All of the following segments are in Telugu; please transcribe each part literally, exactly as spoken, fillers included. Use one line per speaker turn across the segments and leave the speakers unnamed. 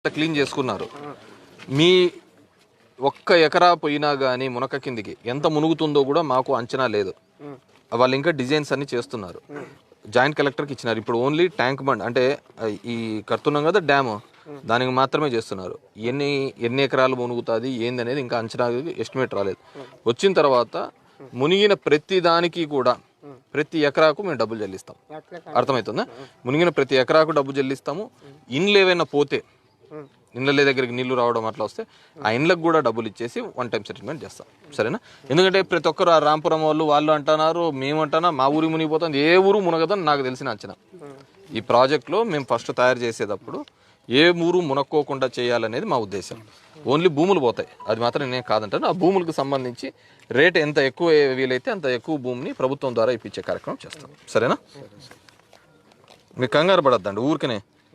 క్లీన్ చేసుకున్నారు. మీ ఒక్క ఎకరా పోయినా కానీ మునక కిందికి ఎంత మునుగుతుందో కూడా మాకు అంచనా లేదు. వాళ్ళు ఇంకా డిజైన్స్ అన్ని చేస్తున్నారు. జాయింట్ కలెక్టర్కి ఇచ్చినారు. ఇప్పుడు ఓన్లీ ట్యాంక్ బండ్ అంటే ఈ కడుతున్నాం కదా డ్యామ్, దానికి మాత్రమే చేస్తున్నారు. ఎన్ని ఎన్ని ఎకరాలు మునుగుతుంది ఏంది అనేది ఇంకా అంచనా ఎస్టిమేట్ రాలేదు. వచ్చిన తర్వాత మునిగిన ప్రతి దానికి కూడా ప్రతి ఎకరాకు మేము డబ్బులు చెల్లిస్తాం. అర్థమవుతుందా? మునిగిన ప్రతి ఎకరాకు డబ్బు చెల్లిస్తాము. ఇండ్లు ఏవైనా పోతే, ఇండ్ల దగ్గరికి నీళ్లు రావడం అట్లా వస్తే ఆ ఇండ్లకు కూడా డబ్బులు ఇచ్చేసి వన్ టైం సెటిల్మెంట్ చేస్తాం. సరేనా? ఎందుకంటే ప్రతి ఒక్కరు ఆ రాంపురం వాళ్ళు వాళ్ళు అంటున్నారు, మేము అంటున్నా మా ఊరి మునిగిపోతుంది. ఏ ఊరు మునగదని నాకు తెలిసిన అంచనా. ఈ ప్రాజెక్ట్లో మేము ఫస్ట్ తయారు చేసేటప్పుడు ఏ ఊరు మునక్కోకుండా చేయాలనేది మా ఉద్దేశం. ఓన్లీ భూములు పోతాయి, అది మాత్రం నేను కాదంటాను. ఆ భూములకు సంబంధించి రేట్ ఎంత ఎక్కువ వీలైతే అంత ఎక్కువ భూమిని ప్రభుత్వం ద్వారా ఇప్పించే కార్యక్రమం చేస్తాం. సరేనా? మీకు కంగారు పడద్దండి ఊరికనే.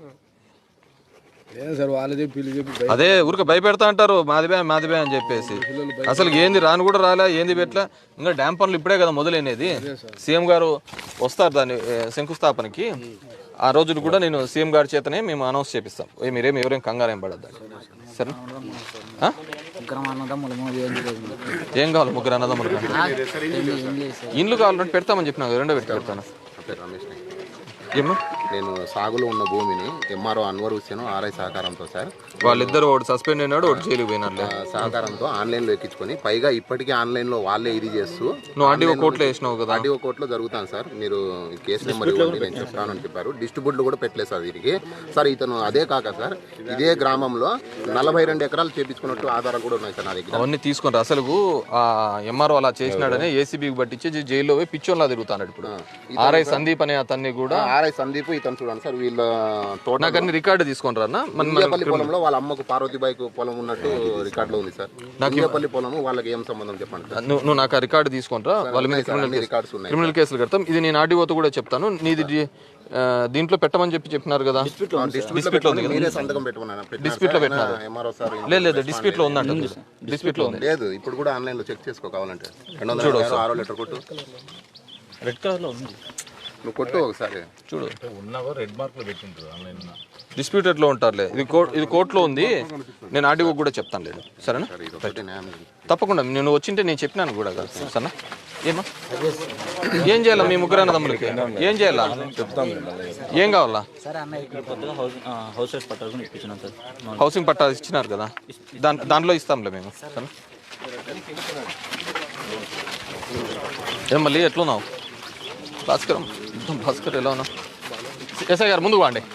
అదే ఊరికి భయపెడతా అంటారు మాదిబే మాదిబే అని చెప్పేసి. అసలు ఏంది రాను కూడా రాలే, ఏంది పెట్లా. ఇంకా డ్యామ్ పనులు ఇప్పుడే కదా మొదలైనది. సీఎం గారు వస్తారు దాన్ని శంకుస్థాపనకి. ఆ రోజులు కూడా నేను సీఎం గారి చేతనే మేము అనౌన్స్ చేపిస్తాం. మీరేం ఎవరేం కంగారు ఏం పడద్దండి. సరేనా? ఏం కావాలి? ముగ్గురు అన్నదమ్ములు ఇండ్లు కావాలంటే పెడతామని చెప్పినా రెండో పెట్టి పెడతాను.
నేను సాగులో ఉన్న భూమిని ఎంఆర్ఓ అన్వర్ హుస్సేన్ ఆర్ఐ సహకారంతో సార్
వాళ్ళిద్దరు ఒకటి సస్పెండ్ అయినాడు, ఒకటి జైలుకి పోయినాడు.
సహకారంతో ఆన్లైన్లో ఎక్కించుకొని పైగా ఇప్పటికీ ఆన్లైన్లో వాళ్ళే ఇది చేస్తూ
నువ్వు ఆర్డీఓ కోర్టులో వేసినావు కదా?
ఆర్డీఓ కోర్టులో జరుగుతాను సార్. మీరు కేసు నెంబర్ ఇవ్వండి నేను చెప్తానని చెప్పారు. డిస్ట్రిబ్యూట్లు కూడా పెట్టలేదు సార్ వీరికి. సార్ ఇతను అదే కాక సార్ ఇదే గ్రామంలో నలభై రెండు ఎకరాలు చేపించుకున్నట్టు ఆధారాలు కూడా ఉన్నాయి సార్ నా దగ్గర.
అవన్నీ తీసుకుంటారు. అసలు ఆ ఎంఆర్ఓ అలా చేసినాడని ఏసీబీకి పట్టించి జైల్లో పోయి పిచ్చోన్లా తిరుగుతాడు. ఇప్పుడు ఆర్ఐ సందీప్ అనే అతన్ని కూడా
ఆర్ఐ సందీప్ ఇతను చూడండి సార్. వీళ్ళ తోట
నాకు అన్ని రికార్డు తీసుకొని రా.
ఇండియాపల్లి పొలంలో వాళ్ళ అమ్మకు పార్వతీబాయికి పొలం ఉన్నట్టు రికార్డులో ఉంది సార్. ఇండియాపల్లి పొలం వాళ్ళకి ఏం సంబంధం చెప్పండి.
నువ్వు నాకు ఆ రికార్డు తీసుకొని రా. వాళ్ళ మీద
రికార్డ్స్ ఉన్నాయి,
క్రిమినల్ కేసులు కడతాం. ఇది నేను ఆర్డీఓతో కూడా చెప్తాను. నీది దీంట్లో పెట్టమని చెప్పి చెప్పినారు కదా? డిస్ప్యూట్ లో ఉంది కదా?
సంతకం పెట్టమన్నా
డిస్ప్యూట్ లో పెట్టినారు. లేదు లేదు డిస్ప్యూట్ లో ఉందంట. డిస్ప్యూట్ లో ఉంది.
లేదు ఇప్పుడు కూడా ఆన్లైన్ లో చెక్ చేసుకో కావాలంటే. చూడు ఆరో లీటర్ కొట్టు,
రెడ్ కలర్ లో ఉంది.
నువ్వు కొట్టు ఒకసారి
చూడు. డిస్ప్యూటెడ్ లో ఉంటారులే. ఇది కోర్ట్ ఇది కోర్టులో ఉంది. నేను ఆర్డీఓ కూడా చెప్తాను. లేదు సరేనా? తప్పకుండా నేను వచ్చింటే నేను చెప్పినాను కూడా కదా. సరేనా? ఏమా ఏం చేయాలా మీ ముగ్గురు అన్నదమ్ములకి? ఏం చేయాలా చెప్తాను. ఏం కావాలా? హౌసింగ్ పట్టా ఇచ్చినారు కదా, దాని దాంట్లో ఇస్తాంలే మేము. సరేనా? ఏం మళ్ళీ ఎట్లున్నావు భాస్కర్? భాస్కర్ ఎలా ఉన్నావు? ఎస్ఐ గారు ముందుకు వాండి.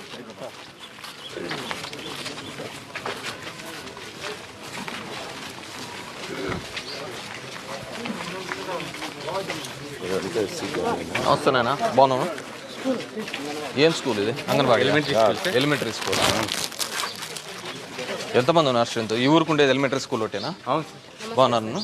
వస్తున్నానా? బాగున్నాను. ఏం స్కూల్ ఇది? Anganwadi elementary school. ఎంతమంది ఉన్నారు స్ట్రెంత్? ఈ ఊరికి ఉండేది ఎలిమెంటరీ స్కూల్ ఒకటేనా? బాగున్నారు.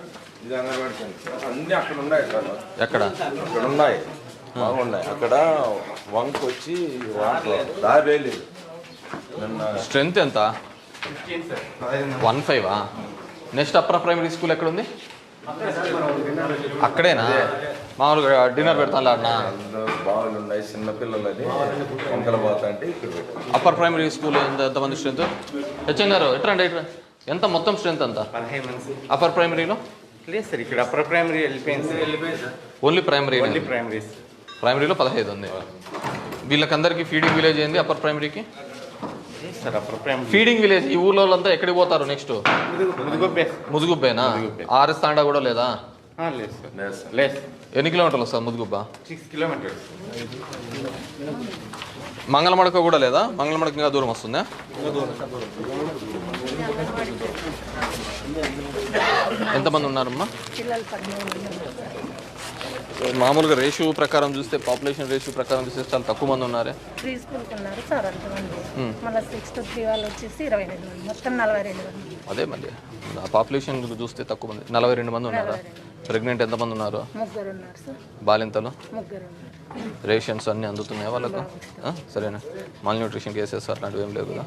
ఎక్కడ
ఉన్నాయి? బాగున్నాయి. అక్కడ వంక వచ్చి దాబేలేదు.
స్ట్రెంత్ ఎంత? వన్ ఫైవా? నెక్స్ట్ అప్పర్ ప్రైమరీ స్కూల్ ఎక్కడ ఉంది? అక్కడేనా? మామూలుగా డిన్నర్ పెడతాను అన్నా.
బాగులు ఉన్నాయి చిన్నపిల్లలని వంకల పోతా అంటే ఇక్కడ.
అప్పర్ ప్రైమరీ స్కూల్ ఎంత ఎంతమంది స్ట్రెంత్? హెచ్ఎం గారు ఎట్రండి ఎట్రా ఎంత మొత్తం స్ట్రెంత్ అంతా? అప్పర్ ప్రైమరీలో
లేదు సార్, ఇక్కడ అప్పర్ ప్రైమరీ వెళ్ళిపోయింది.
ఓన్లీ ప్రైమరీ
ప్రైమరీ
ప్రైమరీలో పదహైదు ఉంది. వీళ్ళకందరికీ ఫీడింగ్ విలేజ్ ఏంది అప్పర్ ప్రైమరీకి?
Sir upper primary
feeding village. ఈ ఊళ్ళో వాళ్ళంతా ఎక్కడికి పోతారు నెక్స్ట్? ముదుగుబ్బేనా? ఆర్ఎస్ తాండా కూడా లేదా?
లేదు సార్. లేదు.
ఎన్ని కిలోమీటర్లు వస్తుంది ముదుగుబ్బ?
Six kilometres.
మంగళమడక కూడా లేదా? మంగళమడక ఇంకా దూరం వస్తుందా? ఎంతమంది ఉన్నారమ్మా? మామూలుగా రేషియో ప్రకారం చూస్తే, పాపులేషన్ రేషియో ప్రకారం చూస్తే చాలా తక్కువ మంది ఉన్నారే.
ప్రీ స్కూల్కి ఉన్నారు సార్ అంతమంది. మళ్ళీ సిక్స్త్ త్రీ వాళ్ళు వచ్చేసి ఇరవై రెండు మంది, మొత్తం నలభై రెండు మంది.
అదే మళ్ళీ ఆ పాపులేషన్ చూస్తే తక్కువ మంది. నలభై రెండు మంది ఉన్నారా? ప్రెగ్నెంట్ ఎంతమంది ఉన్నారు?
ముగ్గురు ఉన్నారు సార్.
బాలింతలు?
ముగ్గురు ఉన్నారు.
రేషన్స్ అన్నీ అందుతున్నాయా వాళ్ళకు? సరేనా? మాల్ న్యూట్రిషన్ కేసెస్ అట్లాంటివి ఏం లేవు కదా?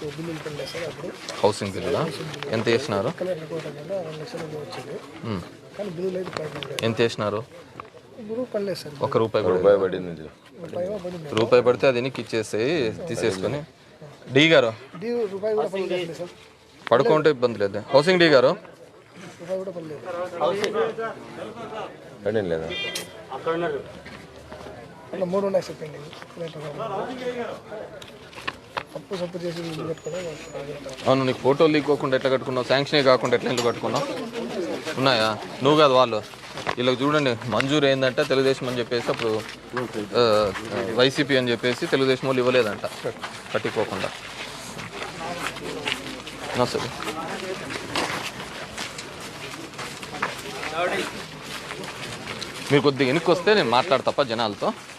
హౌసింగ్
బిల్లులా ఎంత వేసినారు?
కానీ బిల్లులు అయితే పడలేదు.
ఎంత వేసినారు?
ఇప్పుడు పడలేదు సార్.
ఒక రూపాయి కూడా
రూపాయి పడింది.
రూపాయి పడింది.
రూపాయి పడితే అది ఎనికి ఇచ్చేసేయి తీసేసుకొని. డి గారు
డీ రూపాయి కూడా పడలేదు సార్.
పడుకుంటే ఇబ్బంది లేదు. హౌసింగ్ డి గారు
రూపాయి కూడా పడలేదు.
పడింది లేదా?
అట్లా మూడు ఉన్నాయి సార్ పెండింగ్. అప్పు సప్పు చేసి ఇల్లు కట్టుకోవడం.
అవును, నీకు ఫోటోలు లీకోకుండా ఎట్లా కట్టుకున్నావు? శాంక్షనే కాకుండా ఎట్లా ఇల్లు కట్టుకున్నావు? ఉన్నాయా? నువ్వు కాదు వాళ్ళు. వీళ్ళకి చూడండి, మంజూరు ఏంటంటే తెలుగుదేశం అని చెప్పేసి అప్పుడు ఆ, వైసీపీ అని చెప్పేసి తెలుగుదేశం వాళ్ళు ఇవ్వలేదంట కట్టుకోకుండా. సరే, మీరు కొద్దిగా వెనక్కి వస్తే నేను మాట్లాడతా జనాలతో.